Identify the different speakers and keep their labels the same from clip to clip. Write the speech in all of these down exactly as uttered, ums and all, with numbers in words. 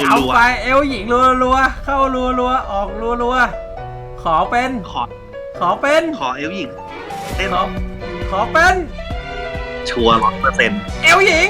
Speaker 1: เอาไปเอลหญิงรัวๆเข้ารัวๆออกรัวๆขอเป็น
Speaker 2: ขอ
Speaker 1: ขอเป็น
Speaker 2: ขอเอลหญิงเต้น
Speaker 1: ขอขอเป็น
Speaker 2: ชัวร์ร้อยเปอร์เซ็นต์
Speaker 1: เอลหญิง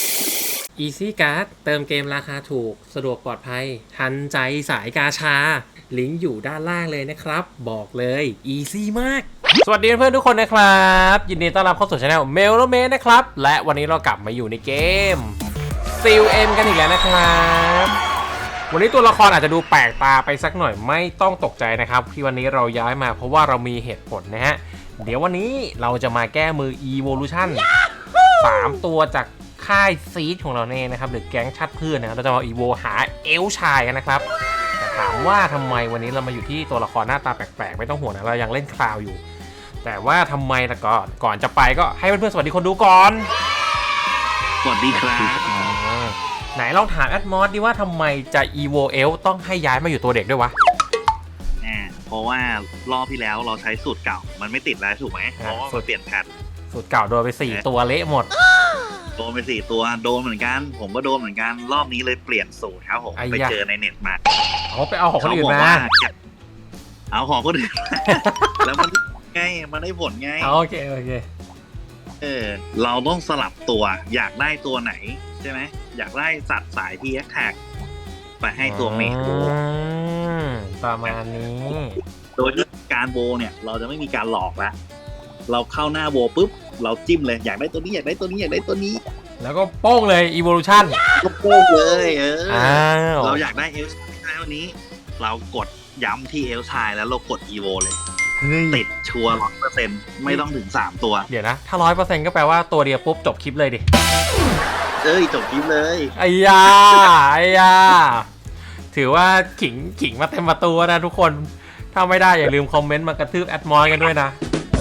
Speaker 1: Easy Card เติมเกมราคาถูกสะดวกปลอดภัยทันใจสายกาชาลิงก์อยู่ด้านล่างเลยนะครับบอกเลย Easy มากสวัสดีเพื่อนๆทุกคนนะครับยินดีต้อนรับเข้าสู่ช่องเมลโลเมนนะครับและวันนี้เรากลับมาอยู่ในเกม ซี แอล เอ็ม กันอีกแล้วนะครับวันนี้ตัวละครอาจจะดูแปลกตาไปสักหน่อยไม่ต้องตกใจนะครับที่วันนี้เราย้ายมาเพราะว่าเรามีเหตุผลนะฮะเดี๋ยววันนี้เราจะมาแก้มือ Evolution สามตัวจากค่ายซีดของเราเองนะครับหรือแก๊งชัดพืชนะเราจะมาอีโวหาเอลชายกันนะครับแต่ถามว่าทำไมวันนี้เรามาอยู่ที่ตัวละครหน้าตาแปลกๆไม่ต้องห่วงนะเรายังเล่นคลาวอยู่แต่ว่าทำไมแต่ก่อนก่อนจะไปก็ให้เพื่อนๆสวัสดีคนดูก่อน
Speaker 2: สวัสดีครับ
Speaker 1: ไหนลองถามแอดมอสดิว่าทำไมจะอีโวเอลต้องให้ย้ายมาอยู่ตัวเด็กด้วยวะ
Speaker 2: เพราะว่ารอบที่แล้วเราใช้สูตรเก่ามันไม่ติดแล้วถูกไหมเพราะว่าเปลี่ยนแพท
Speaker 1: สูตรเก่าโดนไปสี่ตัวเละหมด
Speaker 2: โดนไปสี่ตัวโดนเหมือนกันผมก็โดนเหมือนกันรอบนี้เลยเปลี่ยนสูตรครับผมไปเจอในเน็ตมา
Speaker 1: เขาไปเอาของคนอื่นมา
Speaker 2: เอาของคนอื่นแล้วมันไงมันได้ผลไง
Speaker 1: โอเคโอเค
Speaker 2: เออเราต้องสลับตัวอยากได้ตัวไหนใช่ไหมอยากได้สัตว์สายที่แอคแท็กไปให้ตัวเมจโบ
Speaker 1: ประมาณนี้
Speaker 2: โดยที่การโบเนี่ยเราจะไม่มีการหลอกแล้วเราเข้าหน้าโบปุ๊บเราจิ้มเลยอยากได้ตัวนี้อยากได้ตัวนี้อยากได้ตัวนี้
Speaker 1: แล้วก็โป้งเลย Evolution
Speaker 2: ก็โป้งเลยเออเราอยากได้เอลชายวันนี้เรากดย้ำที่เอลชายแล้วเรากด Evo เลยติดชัวร์ร้อยเปอร์เซ็นต์ไม่ต้องถึงสามตัว
Speaker 1: เดี๋ยวนะถ้าร้อยเปอร์เซ็นต์ก็แปลว่าตัวเดียวปุ๊บจบคลิปเลยดิ
Speaker 2: เอ้ยจบคลิปเลย
Speaker 1: ไอ้ยาไอ้ยาถือว่าขิงขิงมาเต็มประตูนะทุกคนถ้าไม่ได้อย่าลืมคอมเมนต์มากระทืบแอดมอยกันด้วยนะ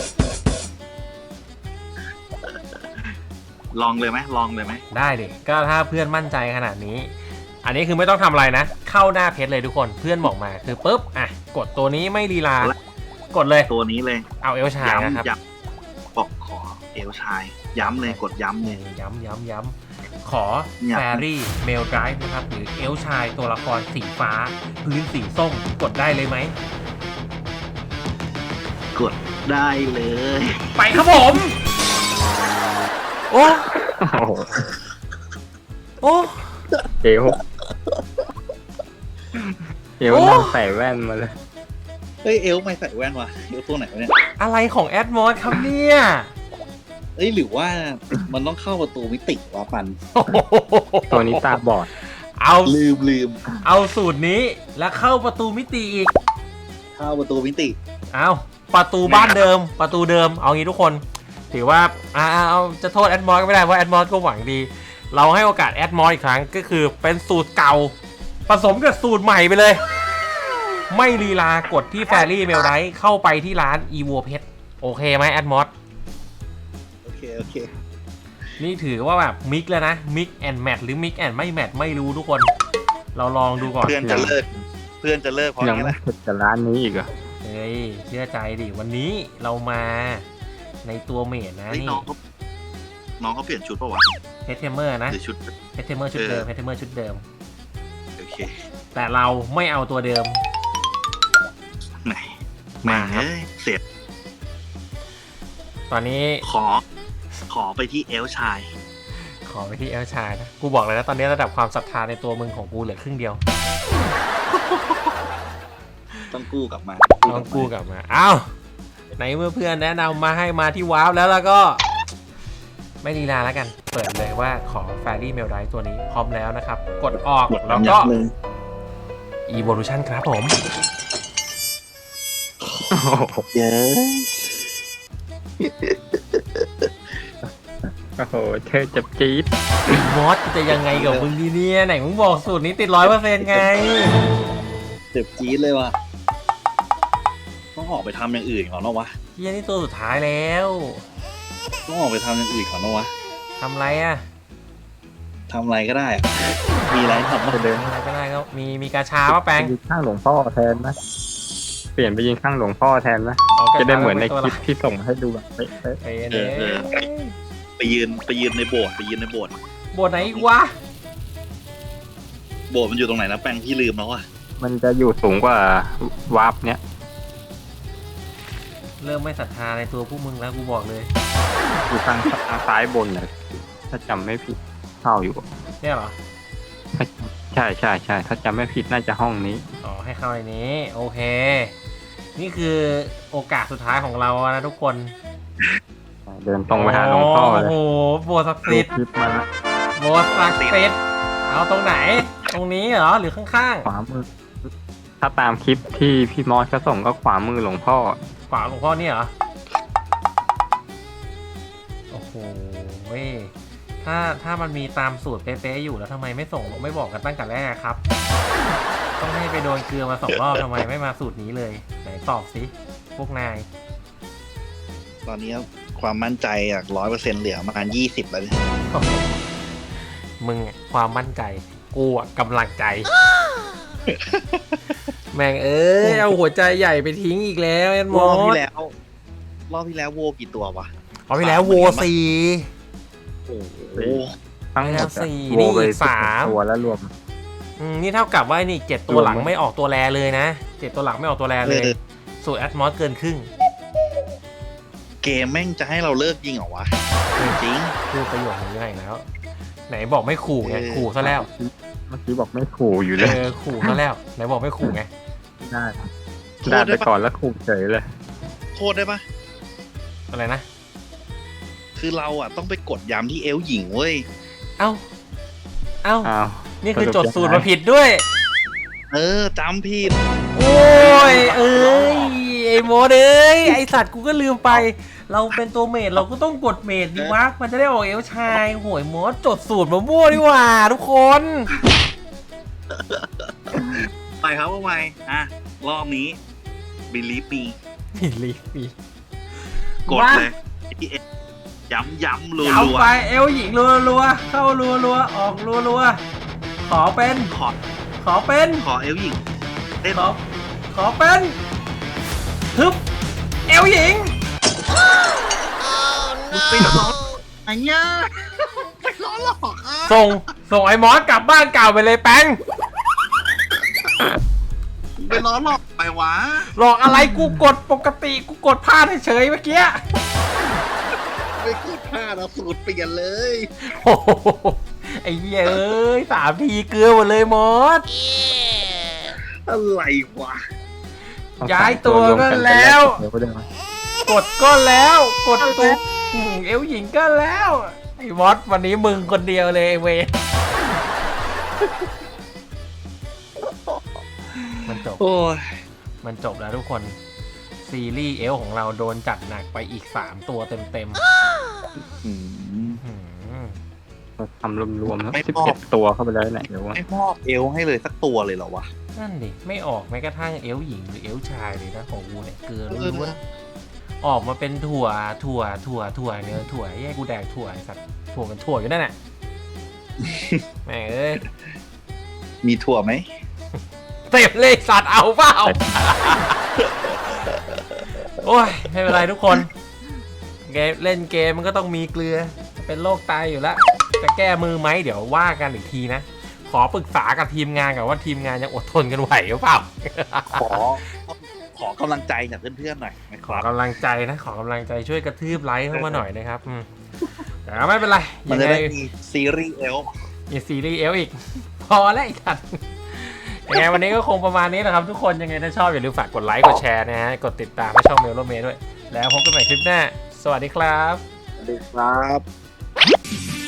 Speaker 2: ลองเลยไหมลองเลยไหม
Speaker 1: ได้ดิก็ถ้าเพื่อนมั่นใจขนาดนี้อันนี้คือไม่ต้องทำอะไรนะเข้าหน้าเพจเลยทุกคนเพื่อนบอกมาคือปุ๊บอ่ะกดตัวนี้ไม่ลีลากดเลย
Speaker 2: ตัวนี้เลย
Speaker 1: เอาเอลชายนะครับ
Speaker 2: บอกขอเอลชายย้ำเลยกดย้ำเลย
Speaker 1: ย้ำย้ำย้ำขอแฟรี่เมลไดรฟ์นะครับหรือเอลชายตัวละครสีฟ้าพื้นสีส้มกดได้เลยไหม
Speaker 2: กดได้เลย
Speaker 1: ไปครับผมโอ้โอ้
Speaker 3: เอวเอวนั่งใส่แว่นมาเลย
Speaker 2: เฮ้ยเอลไม่ใส่แว่นวะเอลตัวไหนวะเนี่ย
Speaker 1: อะไรของแอดมอสครับเนี่ย
Speaker 2: เอ้ยหรือว่ามันต้องเข้าประตูมิติวะปัน
Speaker 3: ตัวนี้ตาบอด
Speaker 1: เอา
Speaker 2: ลืมลืม
Speaker 1: เอาสูตรนี้แล้วเข้าประตูมิติอีก
Speaker 2: เข้าประตูมิติ
Speaker 1: เอาประตูบ้านเดิมประตูเดิมเอางี้ทุกคนถือว่าอ่าเอาจะโทษแอดมอสก็ไม่ได้เพราะแอดมอสก็หวังดีเราให้โอกาสแอดมอสอีกครั้งก็คือเป็นสูตรเก่าผสมกับสูตรใหม่ไปเลยไม่ลีลากดที่แฟรี่เมลไรเข้าไปที่ร้าน Evo Pet โอเคไหมแอดมอส
Speaker 2: โอเคโอเค
Speaker 1: นี่ถือว่าแบบมิกแล้วนะมิกแอนด์แมทหรือมิกแอนด์ไม่แมทไม่รู้ทุกคนเราลองดูก่อน
Speaker 2: เพื่อนจะเลิกเพื่อนจะเลิกเพราะ
Speaker 3: งี้แหละจะร้านนี้อีกเหรอ
Speaker 1: เฮ้ยเชื่อใจดิวันนี้เรามาในตัวเมทนะนี่
Speaker 2: น้องเขาน้องเขาเปลี่ยนชุดป่าวะ
Speaker 1: เพชรเทมเมอร์นะ
Speaker 2: ชุด
Speaker 1: เพชรเทมเมอร์ชุดเดิมเพชรเทมเมอร์ชุดเดิม
Speaker 2: โอเค
Speaker 1: แต่เราไม่เอาตัวเดิม
Speaker 2: ไหนมาครับเสร็จ
Speaker 1: ตอนนี้
Speaker 2: ขอขอไปที่เอลชาย
Speaker 1: ขอไปที่เอลชายนะกูบอกเลยนะตอนนี้ระดับความศรัทธาในตัวมึงของกูเหลือครึ่งเดียว
Speaker 2: ต้องกู้กลับมา
Speaker 1: ต้องกู้กลับมาอ้าวในเมื่อเพื่อนแนะนำมาให้มาที่ว้าวแล้วแล้วก็ไม่ลีลาแล้วกันเปิดเลยว่าขอแฟรี่เมลไดรฟ์ตัวนี้พร้อมแล้วนะครับกดออกแล้วก็ Evolution ครับผม
Speaker 2: เยอะ
Speaker 3: โอ้โหเธอจับจี๊ด
Speaker 1: มอสจะยังไงกับมึงดีเนี่ยไหนมึงบอกสูตรนี้ติดร้อยเปอร์เซ็นต์ไง
Speaker 2: เจ็บจี๊ดเลยว่ะต้องออกไปทำอย่างอื่นก่อนนะวะ
Speaker 1: เฮียนี่ตัวสุดท้ายแล้ว
Speaker 2: ต้องออกไปทำอย่างอื่นก่อนนะวะ
Speaker 1: ทำไรอะ
Speaker 2: ทำอะไรก็ได้มีอะไรทำก็
Speaker 3: เดิน
Speaker 1: อะไรก็ได้ก็มีมีกาชาว่าแปลง
Speaker 3: ข้างหลวงพ่อแทนนะเปลี่ยนไปยิงข้างหลวงพ่อแทนนะจะได้เหมือนในคลิปที่ส่งให้ดูแบบเป๊ะ
Speaker 2: ไปยืนไปยืนในโบสถ์ไปยืนในโบสถ์
Speaker 1: โบสถ์ไหนวะ
Speaker 2: โบสถ์มันอยู่ตรงไหนนะแปลงพี่ลืมแล้วอ่ะ
Speaker 3: มันจะอยู่สูงกว่าวาร์ปเนี้ย
Speaker 1: เริ่มไม่ศรัทธาในตัวพวกมึงแล้วกูบอกเลย
Speaker 3: อยู่ทางทางซ้ายบนเลยถ้าจำไม่ผิดเข้าอยู่
Speaker 1: เนี่ยเหรอ
Speaker 3: ใช่ใช่ใช่ถ้าจำไม่ผิดน่าจะห้องนี้
Speaker 1: อ๋อให้เข้าในนี้โอเค นี่คือโอกาสสุดท้ายของเรานะทุกคน
Speaker 3: เดินตรงไปหาหลวงพ่อเลย
Speaker 1: โอ้โหโบสถ์ศักดิ์สิทธิ์
Speaker 3: คลิปมาแล้ว
Speaker 1: โบสถ์ศักดิ์สิทธิ์เอาตรงไหน ตรงนี้เหรอหรือข้าง
Speaker 3: ขวามือ ถ้าตามคลิปที่พี่มอสเขาส่งก็ขวามือหลวงพ่อ
Speaker 1: ๆขวาหลวงพ่อนี่เหรอโอ้โหเว้ยถ้าถ้ามันมีตามสูตรเป๊ะๆอยู่แล้วทำไมไม่ส่งไม่บอกกันตั้งแต่แรกครับ ต้องให้ไปโดนเกลือมาสองรอบทำไมไม่มาสูตรนี้เลยไหนตอบสิพวกนาย
Speaker 2: ตอนนี้ความมั่นใจจากร้อยเปอร์เซ็นต์เหลือประมาณยี่สิบแล้วเนี่ย
Speaker 1: มึงอะความมั่นใจกูอะกำลังใจ แม่งเอ้ยเอาหัวใจใหญ่ไปทิ้งอีกแล้วแอนม
Speaker 2: ร
Speaker 1: อ
Speaker 2: อบที่
Speaker 1: ส
Speaker 2: แล้ว รอบที่แล้วโวกี่ตัววะ
Speaker 1: เอาไปแล้วโวสี่
Speaker 2: โอ้โห
Speaker 3: ทั้งหมด
Speaker 1: แล้วสี่
Speaker 3: อะ
Speaker 1: นี่
Speaker 3: โวไป
Speaker 1: สาม
Speaker 3: ตัวแล้วรวม
Speaker 1: อืมนี่เท่ากับว่านี่เจ็ดตัวหลังไม่ออกตัวแรเลยนะเจ็ดตัวหลังไม่ออกตัวแรเลย
Speaker 2: เออ
Speaker 1: สูตรแอดมอสเกินครึ่ง
Speaker 2: เกมแม่งจะให้เราเลิกยิงเหรอวะจริง
Speaker 1: พูดประโยคนี้อีกแล้ว ไหนบอกไม่ขู่ไง
Speaker 2: เออ
Speaker 1: ขู่ซะแล้ว
Speaker 3: เมื่อกี้บอกไม่ขู่อยู่
Speaker 1: เอ
Speaker 3: เลย
Speaker 1: อขู่ซะแล้วไหนบอกไม่ขู่ไง
Speaker 3: ได้
Speaker 2: โทษ
Speaker 3: ได้
Speaker 2: ได้
Speaker 3: ไป
Speaker 2: ปะ
Speaker 3: ก่อนแล้วขู่เฉยเลย
Speaker 2: โทษได้ปะ
Speaker 1: อะไรนะ
Speaker 2: คือเราอ่ะต้องไปกดย้ำที่เอลหญิงเว้ย
Speaker 1: เอ้าเอ้า
Speaker 3: อ้าว
Speaker 1: นี่คือจดสูตรมาผิดด้วย
Speaker 2: เออจำผิด
Speaker 1: โอ้ยเอ้ยไอ้โมดเอ้ยไอสัตว์กูก็ลืมไป เราเป็นตัวเมดเราก็ต้องกดเมดดีวะมันจะได้ออกเอลชายโหยโมดจดสูตรมามั่วดีกว่าทุกคน
Speaker 2: ไปครับว่าไงอ่ะ รอบนี้บิลีฟมี
Speaker 1: นี่ลีฟี
Speaker 2: กดเลยย้ำย้ำรั
Speaker 1: เอา
Speaker 2: ว
Speaker 1: ไปเอลหญิงรัวๆเข้ารัวๆออกรัวๆขอเป็น
Speaker 2: ๆขอ
Speaker 1: ขอเป็น
Speaker 2: ขอเอลหญิงเต้น
Speaker 1: ขอขอเป็นฮึบเอลหญิง
Speaker 2: มึงไปล้อไอ้เนี่ยไปล้อหลอกอ่ะ
Speaker 1: ส่งส่งไอ้มอสกลับบ้านเก่าไปเลยแป้ง
Speaker 2: ไปล้อหลอกไปวะ
Speaker 1: หลอกอะไรกูกดปกติกูกดพลาดเฉยๆเมื่อกี้
Speaker 2: ไปกดพลาดเอาสูตรเปลี่ยนเลย
Speaker 1: โอ้โหไอ้เหี้ยเอ้ยสามทีเกลือหมดเลยมอส
Speaker 2: อะไรวะ
Speaker 1: ย้ายตัวก็แล้ว
Speaker 3: เดี๋ยวก็ได้มาก
Speaker 1: ดก็แล้วกดตุ๊บอืมเอวหญิงก็แล้วไอ้มอสวันนี้มึงคนเดียวเลยไอ้เวรมันจบ
Speaker 2: โอ้ย
Speaker 1: มันจบแล้วทุกคนซีรีส์เอลของเราโดนจัดหนักไปอีกสามตัวเต็ม
Speaker 2: อืม
Speaker 1: ๆหืม
Speaker 3: ทำรวมๆแล้ว
Speaker 2: ไม่
Speaker 3: สิบ
Speaker 2: พอ
Speaker 3: เอ็ดตัวเข้าไปแล้วเนี่ยเดี๋ยวว่า
Speaker 2: ไม่มอบเอลให้เลยสักตัวเลยเหรอวะ
Speaker 1: นั่นดิไม่ออกแม้กระทั่งเอลหญิงหรือเอลชายเลยนะของกูเนี่ยเกลือ
Speaker 2: เออ
Speaker 1: ล้วนๆออกมาเป็นถั่วถั่วถั่วถั่วเนี่ยถั่วแย่กูแดกถั่วไอ้สัตว์ถั่วเป็นถั่วอยู่นั่นแหละแม่งเอ้ย
Speaker 2: มีถั่วไหม
Speaker 1: เต็มเลยสัตว์เอาเปล่า โอ้ยไม่เป็นไรทุกคนเกมเล่นเกมมันก็ต้องมีเกลือเป็นโรคไตอยู่แล้วจะแก้มือไหมเดี๋ยวว่ากันอีกทีนะ ขอปรึกษากับทีมงานก่อนว่าทีมงานยังอดทนกันไหวหรือเปล่า
Speaker 2: ขอ ขอกำลังใจจากเพื่อนๆหน่อยนะค
Speaker 1: ขอ
Speaker 2: รับ
Speaker 1: กำลังใจนะ ขอกำลังใจช่วยกระทืบไลค์เข้ามาหน่อยนะครับอืมแต่ไม่เป็นไร
Speaker 2: มัน
Speaker 1: ยัง
Speaker 2: จะ
Speaker 1: ไง
Speaker 2: ได้มีซีรีส์เอล
Speaker 1: มีซีรีส์เอลอีก พอแล้วอีกทันยังไงวันนี้ก็คงประมาณนี้นะครับทุกคนยังไงถ้าชอบอย่าลืมฝากกดไลค์กดแชร์นะฮะกดติดตามให้ช่องเมลโลเมด้วยแล้วพบกันใหม่คลิปหน้าสวัสดีครับ
Speaker 2: สวัสดีครับ